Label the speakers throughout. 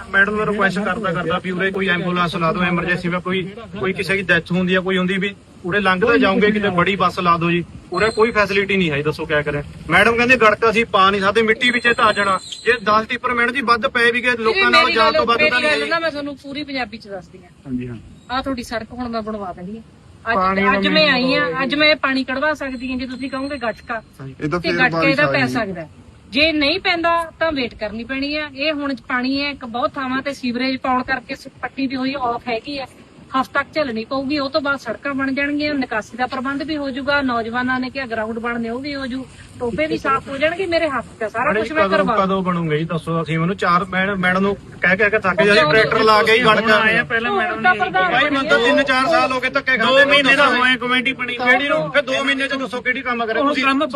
Speaker 1: Madam ने request करता भी उरे कोई एंबुलेंस ला दो, एमरजेंसी में कोई किसी की डेथ होंगी है, कोई होंगी भी उरे लंघते जाओगे कि बड़ी बस ला दो जी। उरे कोई फैसिलिटी नहीं है, दसो क्या करें। मैडम कहते गड़का असीं पा नहीं सकते, मिट्टी विच धा जाना जे 10 टिप्पर मैडम जी वध पे भी गए लोकां नाल जान तो वध तां नहीं।
Speaker 2: मैं तुहानूं पूरी पंजाबी च दसदी हां।
Speaker 1: हां जी हां
Speaker 2: आ तुहाडी सड़क हुण मैं बनवा देनी है। ਅੱਜ ਮੈਂ ਆਈ ਆ, ਅੱਜ ਮੈਂ ਪਾਣੀ ਕਢਵਾ ਸਕਦੀ ਹਾਂ। ਜੇ ਤੁਸੀਂ ਕਹੋਗੇ ਗਟਕਾ ਤੇ ਗਟਕਾ ਇਹਦਾ ਪੈ ਸਕਦਾ, ਜੇ ਨਹੀਂ ਪੈਂਦਾ ਤਾਂ ਵੇਟ ਕਰਨੀ ਪੈਣੀ ਆ। ਇਹ ਹੁਣ ਪਾਣੀ ਹੈ ਬਹੁਤ ਥਾਵਾਂ ਤੇ ਸੀਵਰੇਜ ਪਾਉਣ ਕਰਕੇ ਪੱਟੀ ਵੀ ਹੋਈ ਆਫ ਹੈਗੀ ਆ, ਹਫ਼ਤਾ ਤੱਕ ਝੱਲਣੀ ਪਊਗੀ। ਉਹ ਤੋਂ ਬਾਅਦ ਸੜਕਾਂ ਬਣ ਜਾਣਗੀਆਂ, ਨਿਕਾਸੀ ਦਾ ਪ੍ਰਬੰਧ ਵੀ ਹੋ ਜਾਊਗਾ, ਨੌਜਵਾਨਾਂ ਨੇ ਕਿਹਾ ਗਰਾਊਂਡ ਬਣਨੇ ਉਹ ਵੀ ਹੋ ਜੂ, ਟੋਬੇ ਵੀ ਸਾਫ਼ ਹੋ ਜਾਣਗੇ। ਮੇਰੇ ਹੱਥ ਤੇ ਸਾਰਾ ਕੁਝ ਮੈਂ ਕਰਵਾ।
Speaker 1: ਕਦੋਂ ਬਣੂਗੇ ਜੀ ਦੱਸੋ? ਅਸੀਂ ਮੈਨੂੰ 4 ਮੈਡਮ ਨੂੰ ਕਹਿ ਕੇ ਥੱਕ ਜਾਂਦੇ, ਟਰੈਕਟਰ ਲਾ ਕੇ ਹੀ ਗੜਕਾ ਆਏ ਪਹਿਲਾਂ ਮੈਡਮ ਨੇ। ਭਾਈ ਮੈਨੂੰ ਤਾਂ 3-4 ਸਾਲ ਹੋ ਗਏ ਧੱਕੇ ਖਾਂਦੇ। 2 ਮਹੀਨੇ ਦਾ ਹੋਏ ਕਮੇਟੀ ਬਣੀ ਕਿਹੜੀ ਨੂੰ, ਫਿਰ 2 ਮਹੀਨੇ ਚ ਦੱਸੋ ਕਿਹੜੀ ਕੰਮ ਕਰੇ ਤੁਸੀਂ? ਕੰਮ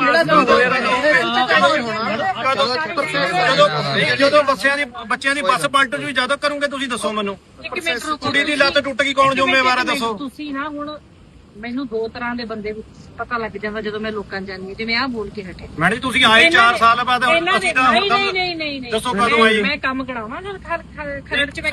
Speaker 1: ਜਦੋਂ ਬੱਚਿਆਂ ਦੀ ਬੱਸ ਪਲਟ ਜੂ ਜਦੋਂ ਕਰੋਗੇ ਤੁਸੀਂ ਦੱਸੋ ਮੈਨੂੰ? ਕੁੜੀ ਦੀ ਲੱਤ ਟੁੱਟ ਗਈ ਕੌਣ ਜ਼ਿੰਮੇਵਾਰ ਹੈ ਦੱਸੋ?
Speaker 2: ਤੁਸੀਂ ਨਾ ਹੁਣ ਮੈਨੂੰ 2 ਤਰ੍ਹਾਂ ਦੇ ਬੰਦੇ ਪਤਾ ਲੱਗ ਜਾਂਦਾ ਜਦੋਂ ਮੈਂ ਲੋਕਾਂ ਜਾਣੀ, ਜਿਵੇਂ ਆਹ ਬੋਲ ਕੇ ਹਟੇ।
Speaker 1: ਮੈਡਮ ਜੀ ਤੁਸੀਂ ਆਏ 4 ਸਾਲ ਬਾਅਦ, ਅਸੀਂ ਤਾਂ
Speaker 2: ਨਹੀਂ
Speaker 1: ਦੱਸੋ ਕਦੋਂ ਆਏ?
Speaker 2: ਮੈਂ ਕੰਮ ਕਰਾਉਣਾ ਜਦ ਖਰੜ ਚ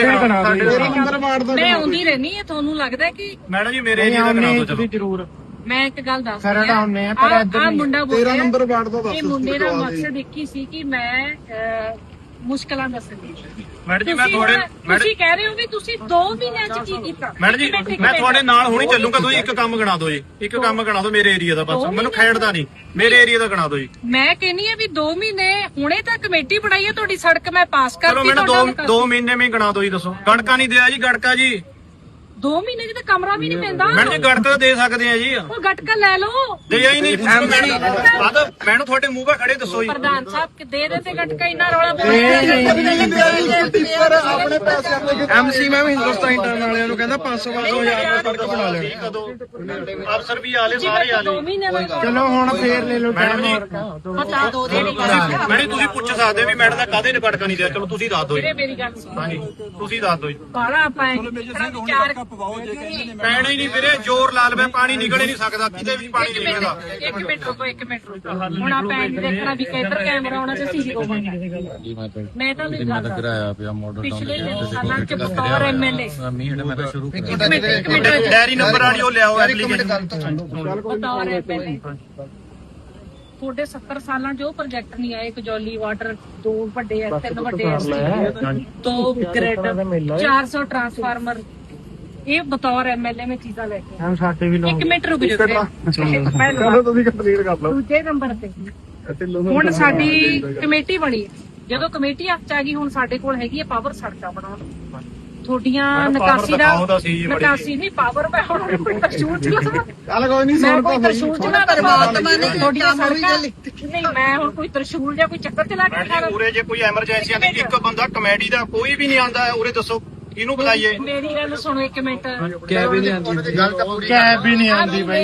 Speaker 2: ਮੈਂ ਆਉਂਦੀ ਰਹਿਣੀ ਹੈ। ਤੁਹਾਨੂੰ ਲੱਗਦਾ ਕਿ
Speaker 1: ਮੈਡਮ ਜੀ ਮੇਰੇ ਏਰੀਆ ਦਾ ਕਰਾ ਦਿਓ ਚਲੋ ਜ਼ਰੂਰ।
Speaker 2: ਮੈਂ ਇੱਕ ਗੱਲ ਦੱਸ ਰਹੀ ਹਾਂ, ਆ ਮੁੰਡਾ ਬੋਲ
Speaker 3: 13 ਨੰਬਰ ਵਾਰਡ ਦਾ ਦੱਸ।
Speaker 2: ਇਹ ਮੁੰਡੇ ਦਾ ਮਕਸਦ ਇੱਕ ਹੀ ਸੀ ਕਿ ਮੈਂ ਮੁਸ਼ਕਲਾਂ ਦੱਸਣੀ।
Speaker 1: ਮੈਡਮ ਜੀ ਮੈਂ
Speaker 2: ਤੁਸੀਂ ਕਹਿ ਰਹੇ ਹੋ ਵੀ ਤੁਸੀਂ 2 ਮਹੀਨਿਆਂ ਚ ਕੀ ਕੀਤਾ?
Speaker 1: ਮੈਡਮ ਜੀ ਮੈਂ ਤੁਹਾਡੇ ਨਾਲ ਹੁਣੀ ਚੱਲੂਗਾ, ਤੁਸੀਂ ਇੱਕ ਕੰਮ ਗਣਾ ਦਿਓ ਜੀ, ਇੱਕ ਕੰਮ ਗਣਾ ਦਿਓ ਮੇਰੇ ਏਰੀਆ ਦਾ, ਬਸ ਮੈਨੂੰ ਖੇਡਦਾ ਨਹੀਂ, ਮੇਰੇ ਏਰੀਆ ਦਾ ਗਣਾ ਦਿਓ ਜੀ।
Speaker 2: ਮੈਂ ਕਹਿੰਨੀ ਆ ਵੀ 2 ਮਹੀਨੇ ਹੁਣੇ ਤਾਂ ਕਮੇਟੀ ਬਣਾਈ ਹੈ, ਤੁਹਾਡੀ ਸੜਕ ਮੈਂ ਪਾਸ ਕਰਤੀ।
Speaker 1: ਚਲੋ ਮੈਨੂੰ 2 ਮਹੀਨੇ ਵਿੱਚ ਗਣਾ ਦਿਓ ਜੀ, ਦੱਸੋ ਗੜਕਾ ਨਹੀਂ ਦਿਆ ਜੀ? ਗੜਕਾ ਜੀ
Speaker 2: 2 ਮਹੀਨੇ ਚ ਤਾਂ ਕਮਰਾ ਵੀ ਨਹੀਂ ਪੈਂਦਾ।
Speaker 1: ਮੈਡਮ ਜੀ ਗੜਕਾ ਦੇ ਸਕਦੇ ਆ ਜੀ,
Speaker 2: ਉਹ ਗਟਕਾ ਲੈ ਲਓ।
Speaker 1: ਦੇ ਹੀ ਨਹੀਂ ਮੈਨੂੰ ਤੁਹਾਡੇ ਮੂੰਹ 'ਤੇ ਖੜੇ ਦੱਸੋ ਜੀ।
Speaker 2: ਪ੍ਰਧਾਨ ਸਾਹਿਬ ਕਿ ਦੇ ਦੇ ਤੇ ਗਟਕਾ ਇੰਨਾ ਰੌਲਾ
Speaker 3: ਆਪਣੇ ਪੈਸੇ ਆਪਣੇ
Speaker 1: ਐਮਸੀ ਮੈਂ ਵੀ ਹਿੰਦੁਸਤਾਨ ਇੰਟਰਨ ਵਾਲਿਆਂ ਨੂੰ ਕਹਿੰਦਾ 500-500 ਹਜ਼ਾਰ ਸੜਕ ਬਣਾ ਲੈਣੀ। ਕਦੋਂ ਅਫਸਰ ਵੀ ਆਲੇ ਸਾਰੇ ਆਲੇ।
Speaker 2: 2 ਮਹੀਨੇ ਦਾ
Speaker 3: ਚਲੋ ਹੁਣ ਫੇਰ ਲੈ ਲਓ
Speaker 1: ਮੈਡਮ ਜੀ
Speaker 2: ਪਤਾ ਦੋ ਦੇ
Speaker 1: ਮੈਡਮ ਤੁਸੀਂ ਪੁੱਛ ਸਕਦੇ ਵੀ ਮੈਡਮ ਦਾ ਕਾਹਦੇ ਨੇ ਗੜਕਾ ਨਹੀਂ ਦਿਆ? ਚਲੋ ਤੁਸੀਂ ਦੱਸ ਦਿਓ ਜੀ।
Speaker 2: ਮੇਰੀ ਗੱਲ ਸੁਣੋ।
Speaker 1: ਹਾਂਜੀ ਤੁਸੀਂ ਦੱਸ ਦਿਓ ਜੀ।
Speaker 2: ਬਾਲਾ ਆਪਾਂ ਵਿਚਾਰ
Speaker 1: ਪੈਣਾ ਹੀ ਨਹੀਂ ਵੀਰੇ, ਜ਼ੋਰ ਲਾ ਲਵੇ ਪਾਣੀ ਨਿਕਲ ਹੀ ਨਹੀਂ ਸਕਦਾ, ਕਿਤੇ ਵੀ ਪਾਣੀ ਨਹੀਂ ਨਿਕਲਦਾ।
Speaker 2: 1 ਮਿੰਟ ਰੁਕੋ। ਹੁਣ ਆਪਾਂ ਇਹ ਦੇਖਣਾ ਵੀ ਕਿੱਧਰ ਕੈਮਰਾ ਆਉਣਾ ਤੇ ਸੀਸੀ ਹੋਊਗਾ। ਮੈਂ ਤਾਂ ਨਹੀਂ ਗੱਲ
Speaker 4: ਕਰਾਇਆ ਪਿਆ ਮਾਡਲ
Speaker 2: ਪਿਛਲੇ ਸਾਲਾਂ ਚ ਬਤੌਰ ਐਮਐਲਏ
Speaker 4: ਮੈਂ ਤਾਂ ਸ਼ੁਰੂ
Speaker 2: ਇੱਕ ਮਿੰਟ
Speaker 1: ਡੈਰੀ ਨੰਬਰ ਵਾਲੀ ਉਹ ਲਿਆਓ ਐਪਲੀਕੇਸ਼ਨ।
Speaker 2: ਬਤੌਰ ਐਮਐਲਏ ਤੁਹਾਡੇ 70 ਸਾਲਾਂ 'ਚ ਉਹ ਪ੍ਰੋਜੈਕਟ ਨਹੀਂ ਆਏ, ਕਜੌਲੀ ਵਾਟਰ 2 ਵੱਡੇ ਐ, 3 ਵੱਡੇ ਐ, 2 ਗ੍ਰਿਡ, 400 ਟਰਾਂਸਫਾਰਮਰ। ਇਹ ਬਤੌਰ ਐਮਐਲਏ ਮੈਂ ਚੀਜ਼ਾਂ ਲੈ ਕੇ
Speaker 3: ਹਮ ਸਾਡੇ ਵੀ
Speaker 2: 1 ਮਿੰਟ ਰੁਕ ਜਾਓ।
Speaker 3: ਚਲੋ ਤੁਸੀਂ ਕੰਪਲੀਟ ਕਰ ਲਓ।
Speaker 2: ਦੂਜੇ ਨੰਬਰ ਤੇ ਹੁਣ ਸਾਡੀ ਕਮੇਟੀ ਬਣੀ ਹੈ। ਜਦੋਂ ਕਮੇਟੀ ਹੱਥ 'ਚ ਆ ਗਈ, ਹੁਣ ਸਾਡੇ ਕੋਲ ਹੈਗੀ ਹੈ ਪਾਵਰ ਸੜਕਾਂ ਬਣਾਉਣ। ਤੁਹਾਡੀਆਂ ਨਿਕਾਸੀ ਨਹੀਂ ਪਾਵਰ ਮੈਂ ਹੁਣ ਕੋਈ ਤਰਸ਼ੂਲ ਚਲਾ
Speaker 3: ਚੱਲ ਕੋਈ ਨਹੀਂ
Speaker 2: ਮੈਂ ਕੋਈ ਤਰਸ਼ੂਲ ਚਲਾ ਪਰਮਾਤਮਾ ਨੇ ਤੁਹਾਡੀਆਂ ਸੜਕਾਂ ਨਹੀਂ ਮੈਂ ਹੁਣ ਕੋਈ ਤਰਸ਼ੂਲ ਜਾਂ ਕੋਈ ਚੱਕਰ ਚਲਾ ਕੇ ਖਾ
Speaker 1: ਉਰੇ ਜੇ ਕੋਈ ਐਮਰਜੈਂਸੀ ਆਂਦੀ ਇੱਕ ਬੰਦਾ ਕਮੇਡੀ ਦਾ ਕੋਈ ਵੀ ਨਹੀਂ ਆਂਦਾ ਉਰੇ, ਦੱਸੋ ਕਿਹਨੂੰ ਬੁਲਾਈਏ?
Speaker 2: ਮੇਰੀ ਗੱਲ ਸੁਣੋ 1 ਮਿੰਟ।
Speaker 3: ਕੈਬ ਵੀ ਨਹੀਂ ਆਉਂਦੀ, ਗੱਲ ਤਾਂ ਪੂਰੀ ਕੈਬ ਵੀ ਨਹੀਂ ਆਉਂਦੀ ਬਾਈ।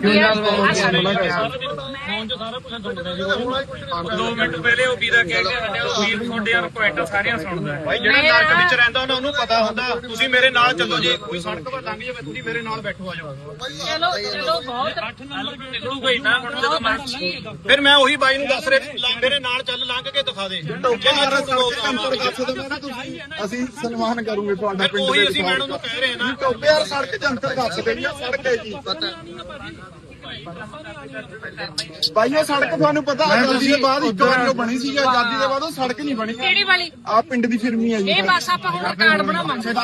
Speaker 1: 2 ਮਿੰਟ ਪਹਿਲੇ ਉਹ ਵੀਰਾ ਕਹਿ ਕੇ ਹਟਿਆ, ਉਹ ਵੀਰ ਤੁਹਾਡੇ ਕੁਐਂਟਲ ਸਾਰਿਆਂ ਸੁਣਦਾ ਭਾਈ। ਜਿਹੜਾ ਨਰਕ ਵਿੱਚ ਰਹਿੰਦਾ ਉਹਨੂੰ ਪਤਾ ਹੁੰਦਾ। ਤੁਸੀਂ ਮੇਰੇ ਨਾਲ ਚੱਲੋ ਜੀ, ਕੋਈ ਸੜਕ 'ਤੇ ਲੰਘ ਜਾਵੇ ਤੁਸੀਂ ਮੇਰੇ ਨਾਲ ਬੈਠੋ, ਆ ਜਾਓ।
Speaker 2: ਚਲੋ ਬਹੁਤ 8 ਨੰਬਰ
Speaker 1: ਨਿਕਲੂਗਾ ਹੀ ਨਾ ਹੁਣ ਜਦੋਂ ਮੈਂ ਫਿਰ ਮੈਂ ਉਹੀ ਬਾਈ ਨੂੰ ਦੱਸ ਰਿਹਾ ਮੇਰੇ ਨਾਲ ਚੱਲ ਲੰਘ ਕੇ ਦਿਖਾ ਦੇ।
Speaker 3: ਅਸੀਂ ਸਨਮਾਨ ਕਰੂਗੇ ਤੁਹਾਡਾ ਪਿੰਡ
Speaker 1: ਉਹੀ ਅਸੀਂ ਮੈਡਮ ਨੂੰ ਕਹਿ ਰਹੇ ਨਾ,
Speaker 3: ਟੋਬੇ ਯਾਰ ਸੜਕ ਜੰਤਰ ਦੱਸ ਦੇਣੀ ਆ, ਸੜਕ ਹੈ ਜੀ ਭਾਈ। ਉਹ ਸੜਕ ਤੁਹਾਨੂੰ ਪਤਾ ਆਜ਼ਾਦੀ ਦੇ ਬਾਅਦ ਇੱਕ ਵਾਰੀ ਉਹ ਬਣੀ ਸੀ, ਆਜ਼ਾਦੀ ਦੇ ਬਾਅਦ ਉਹ ਸੜਕ ਨਹੀਂ ਬਣੀ।
Speaker 2: ਕਿਹੜੀ ਵਾਲੀ?
Speaker 3: ਆ ਪਿੰਡ ਦੀ ਫਿਰਮੀ ਹੈ ਜੀ।
Speaker 2: ਇਹ ਬਸ ਆਪਾਂ ਹੁਣ ਕਾਰਡ ਬਣਾਵਾਂਗੇ।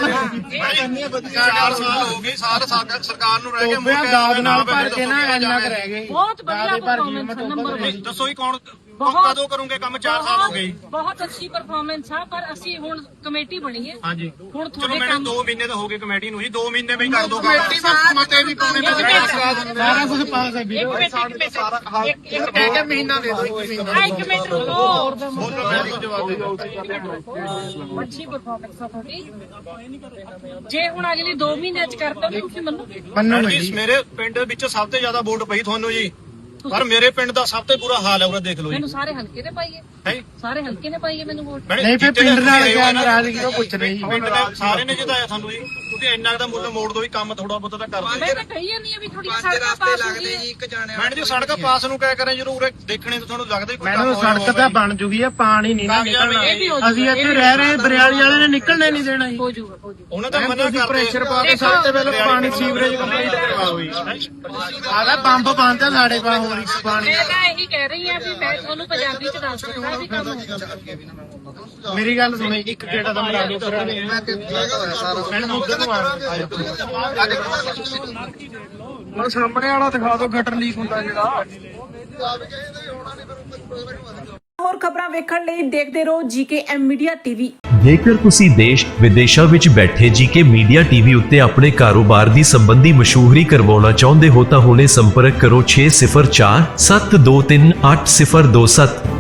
Speaker 1: 4 ਸਾਲ ਹੋ ਗਏ ਸਾਰ ਸਰਕਾਰ ਨੂੰ ਰਹਿ ਗਏ
Speaker 3: ਦਾਦ ਨਾਲ ਭਰ ਕੇ ਨਾ ਇੰਨਾ ਕੁ ਰਹਿ ਗਏ।
Speaker 2: ਬਹੁਤ ਵਧੀਆ ਪਰਫਾਰਮੈਂਸ ਨੰਬਰ।
Speaker 1: ਦੱਸੋ ਹੀ ਕੌਣ ਕਦੋਂ ਕਰੋਗੇ ਕੰਮ? 4 ਸਾਲ ਹੋ ਗਏ।
Speaker 2: ਬਹੁਤ ਅੱਛੀ ਪਰਫਾਰਮੈਂਸ ਆ, ਪਰ ਅਸੀਂ ਹੁਣ ਕਮੇਟੀ ਬਣੀ ਹੈ।
Speaker 1: ਹਾਂਜੀ
Speaker 2: ਹੁਣ
Speaker 1: ਚਲੋ
Speaker 2: ਤੁਹਾਡੇ
Speaker 1: ਮੈਡਮ
Speaker 2: ਕੰਮ
Speaker 1: 2 ਮਹੀਨੇ ਤਾਂ ਹੋ ਗਏ ਕਮੇਟੀ ਨੂੰ ਜੀ, 2 ਮਹੀਨੇ ਵਿੱਚ ਕਰ ਦੋ
Speaker 3: ਕਮੇਟੀ ਮਤੇ ਵੀ ਪਾਉਣੇ ਸਾਰਾ ਕੁਝ ਪਾਸ ਹੈ
Speaker 2: ਇੱਕ
Speaker 3: ਕਹਿ ਕੇ ਮਹੀਨਾ ਦੇ ਦਿਓ, 1 ਮਹੀਨਾ।
Speaker 2: 1 ਮਿੰਟ ਰੁਕੋ।
Speaker 1: ਬੋਲੋ ਮੈਂ ਤੁਹਾਨੂੰ ਜਵਾਬ ਦੇ ਦਿਓ।
Speaker 2: ਅੱਛੀ ਪਰਫਾਰਮੈਂਸ ਆ ਤੁਹਾਡੀ। ਜੇ ਹੁਣ ਅਗਲੀ 2 ਮਹੀਨਿਆਂ ਚ ਕਰਤਾ ਤਾਂ ਤੁਸੀਂ ਮੰਨੋਗੇ?
Speaker 1: ਮੈਡਮ ਜੀ ਮੇਰੇ ਪਿੰਡ ਵਿੱਚ ਸਭ ਤੋਂ ਜ਼ਿਆਦਾ ਵੋਟ ਪਈ ਤੁਹਾਨੂੰ ਜੀ। ਪਰ ਮੇਰੇ ਪਿੰਡ ਦਾ ਸਭ ਤੋਂ ਬੁਰਾ ਹਾਲ ਹੈ ਉਹਦਾ ਦੇਖ ਲਓ ਜੀ
Speaker 2: ਮੈਨੂੰ ਸਾਰੇ ਹਲਕੇ ਨੇ ਪਾਈਏ
Speaker 1: ਹੈ
Speaker 2: ਸਾਰੇ ਹਲਕੇ ਨੇ ਪਾਈਏ ਮੈਨੂੰ ਵੋਟ
Speaker 1: ਨਹੀਂ ਫਿਰ ਪਿੰਡ ਨਾਲ ਕਿਆ ਨਾਰਾਜ਼ਗੀ ਉਹ ਪੁੱਛ ਰਹੀ ਪਿੰਡ ਦੇ ਸਾਰੇ ਨੇ ਜਿਤਾਇਆ ਸਾਨੂੰ ਜੀ ਤੁਸੀਂ ਇੰਨਾ ਦਾ ਮੁੱਲ ਮੋੜ ਦੋ ਵੀ ਕੰਮ ਥੋੜਾ ਬਹੁਤਾ ਤਾਂ ਕਰ ਦਿਓ
Speaker 2: ਮੈਂ ਤਾਂ ਕਹੀ ਜਾਂਦੀ ਆ ਵੀ ਥੋੜੀ ਸੜਕਾਂ ਪਾਸ ਹੋ ਗਈ
Speaker 1: ਮੈਡਮ ਜੀ ਸੜਕ ਪਾਸ ਨੂੰ ਕਿਆ ਕਰਾਂ ਜਦੋਂ ਉਰੇ ਦੇਖਣੇ ਤੋਂ ਤੁਹਾਨੂੰ ਲੱਗਦਾ ਕੋਈ
Speaker 4: ਮੈਨੂੰ ਸੜਕ ਤਾਂ ਬਣ ਜੂਗੀ ਆ ਪਾਣੀ ਨਹੀਂ ਨਾ ਨਿਕਲਣਾ ਅਸੀਂ ਇੱਥੇ ਰਹਿ ਰਹੇ ਬਰਿਆਲੀ ਵਾਲੇ ਨੇ ਨਿਕਲਣੇ ਨਹੀਂ ਦੇਣਾ ਜੀ
Speaker 2: ਹੋ ਜਾਊਗਾ
Speaker 1: ਉਹਨਾਂ ਦਾ ਮਨਾ ਕਰਦੇ
Speaker 4: ਪ੍ਰੈਸ਼ਰ ਪਾ ਕੇ ਸਭ ਤੋਂ ਪਹਿਲਾਂ ਪਾਣੀ ਸੀਵਰੇਜ ਕੰਪਲੀਟ ਕਰਵਾਓ ਜੀ ਆਦਾ ਪੰਪ ਬੰਦ ਆ ਸਾਡੇ ਕੋਲ ਹੋਰ ਇੱਕ ਪਾਣੀ
Speaker 2: ਮੈਂ ਤਾਂ ਇਹੀ ਕਹਿ ਰਹੀ ਆ ਵੀ ਮੈਂ ਤੁਹਾਨੂੰ ਪੰਜਾਬੀ ਚ ਦੱਸ ਦਿੰਦਾ ਵੀ ਕੰਮ
Speaker 4: ਮੇਰੀ ਗੱਲ ਸੁਣੋ ਇੱਕ ਗੇੜਾ ਦਾ ਮਰਾ ਦਿਓ ਫਿਰ ਮੈਂ ਮੁੱਦੇ ਤੋਂ ਮਾਰ ਹੁਣ ਸਾਹਮਣੇ ਵਾਲਾ ਦਿਖਾ ਦਿਓ ਗਟਰ ਲੀਕ ਹੁੰਦਾ ਜਿਹੜਾ
Speaker 5: ਹੋਰ ਖਬਰਾਂ ਵੇਖਣ ਲਈ ਦੇਖਦੇ ਰਹੋ ਜੀਕੇਐਮ ਮੀਡੀਆ ਟੀਵੀ।
Speaker 6: ਜੇਕਰ ਤੁਸੀਂ ਦੇਸ਼ ਵਿਦੇਸ਼ਾਂ ਵਿੱਚ ਬੈਠੇ ਜੀਕੇ ਮੀਡੀਆ ਟੀਵੀ ਉੱਤੇ ਆਪਣੇ ਕਾਰੋਬਾਰ ਦੀ ਸੰਬੰਧੀ ਮਸ਼ਹੂਰੀ ਕਰਵਾਉਣਾ ਚਾਹੁੰਦੇ ਹੋ ਤਾਂ ਹੁਣੇ ਸੰਪਰਕ ਕਰੋ 604 723 8027।